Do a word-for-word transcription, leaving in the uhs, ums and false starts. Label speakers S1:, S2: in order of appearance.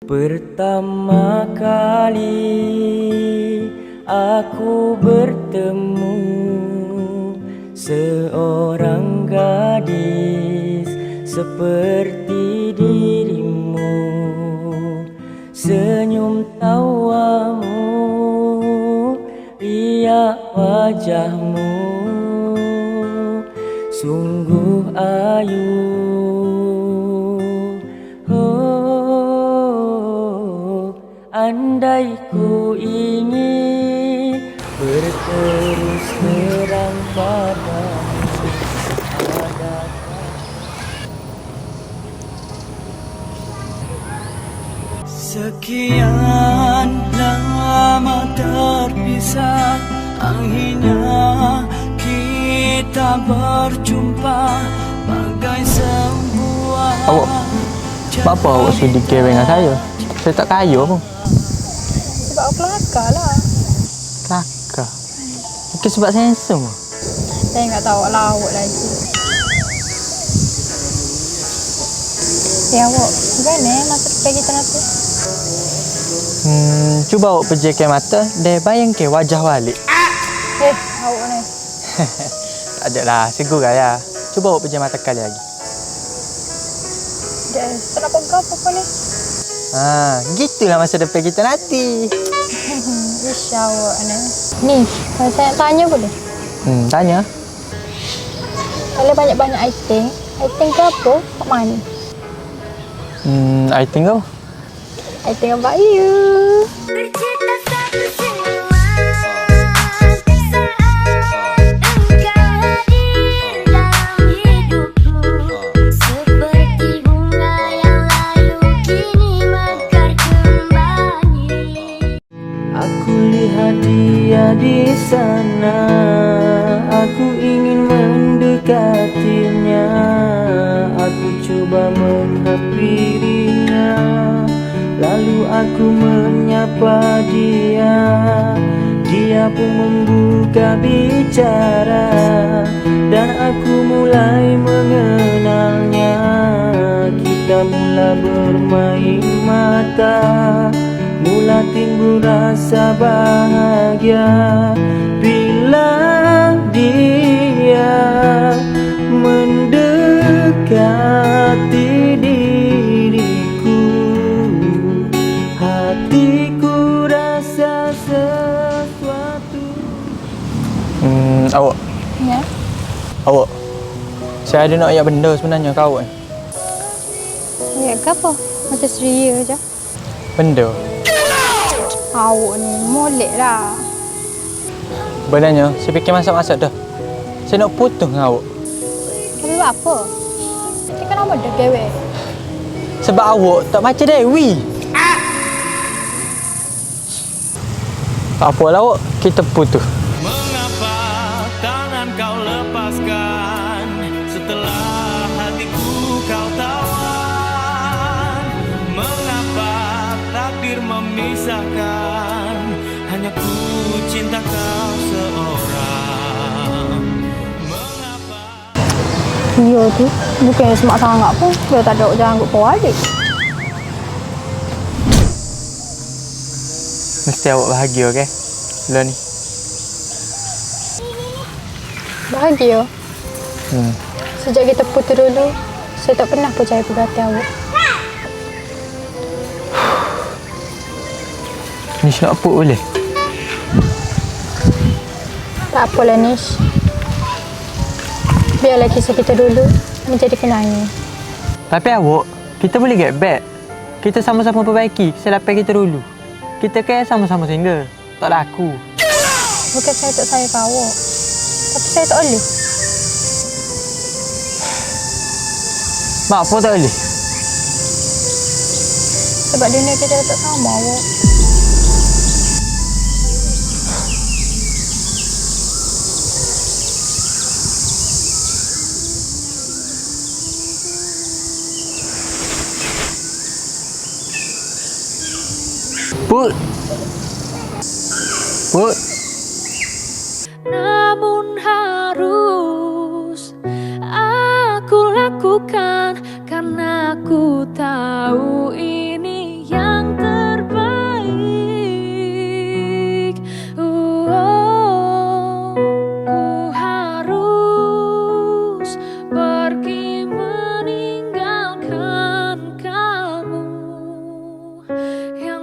S1: Pertama kali aku bertemu seorang gadis seperti dirimu, senyum tawamu, riak wajahmu, sungguh ayu. Andai ku ingin berterus terang padamu, sekian lama terpisah, akhirnya kita berjumpa bagai sebuah.
S2: Awak, apa awak sudi keweng dengan saya? Saya tak kaya pun.
S3: Sebab aku kelakar lah.
S2: Kelakar? Mungkin sebab saya handsome.
S3: Saya tak tahu lah awak lagi. Ya awak, gimana masa depan kita nanti?
S2: Hmm, cuba awak pejamkan mata dan bayangkan wajah balik.
S3: Eh, awak ni.
S2: Tak ada lah, segur ya. Cuba awak pejam mata kali lagi.
S3: Dah, tak nampak kau apa ni?
S2: Ha, gitulah masa depan kita nanti.
S3: Ish, awak ni. Ni, kalau saya nak tanya boleh?
S2: Hmm, tanya.
S3: Kalau banyak-banyak item, item ke apa? Kat mana?
S2: Hmm, I think kau.
S3: Item about you.
S1: Dia di sana, aku ingin mendekatinya. Aku coba menghampirinya, lalu aku menyapa dia. Dia pun membuka bicara dan aku mulai mengenalnya. Kita mula bermain mata, mula timbul rasa bahagia bila dia mendekati diriku. Hatiku rasa sesuatu.
S2: Hmm, awak.
S3: Ya.
S2: Awak. Saya ada nak ayat benda sebenarnya kau awak.
S3: Ya, ke apa? Macam seria je.
S2: Benda.
S3: Awak ni molek lah.
S2: Benarnya, saya fikir masak-masak dah. Saya nak putus dengan awak.
S3: Tapi buat apa? Dia kan nama dah gewek.
S2: Sebab awak tak macam Dewi. Tak apalah awak, kita putus.
S4: Mengapa tangan kau lepaskan setelah hatiku kau tawan? Mengapa takdir memisahkan, hanya ku cinta kau seorang? Mengapa?
S3: Iya tu, bukannya semak sangat pun. Dia tak ada jangan ikut kau adik.
S2: Mesti awak bahagia, okey? Lah ni.
S3: Bahagia.
S2: Hmm.
S3: Sejak kita putus dulu, saya tak pernah percaya pada hati awak.
S2: Nish nak apa boleh?
S3: Tak apalah Nish. Biarlah kisah kita dulu menjadi kenangan.
S2: Tapi awak, kita boleh get back. Kita sama-sama perbaiki kesilapan kita dulu. Kita kan sama-sama single. Tak ada aku.
S3: Bukan saya tak sayang awak. Tapi saya tak boleh.
S2: Mak apa tak boleh?
S3: Sebab dunia kita tak sama awak.
S2: Put. Put.
S5: Namun harus aku lakukan karena aku tahu ini yang yang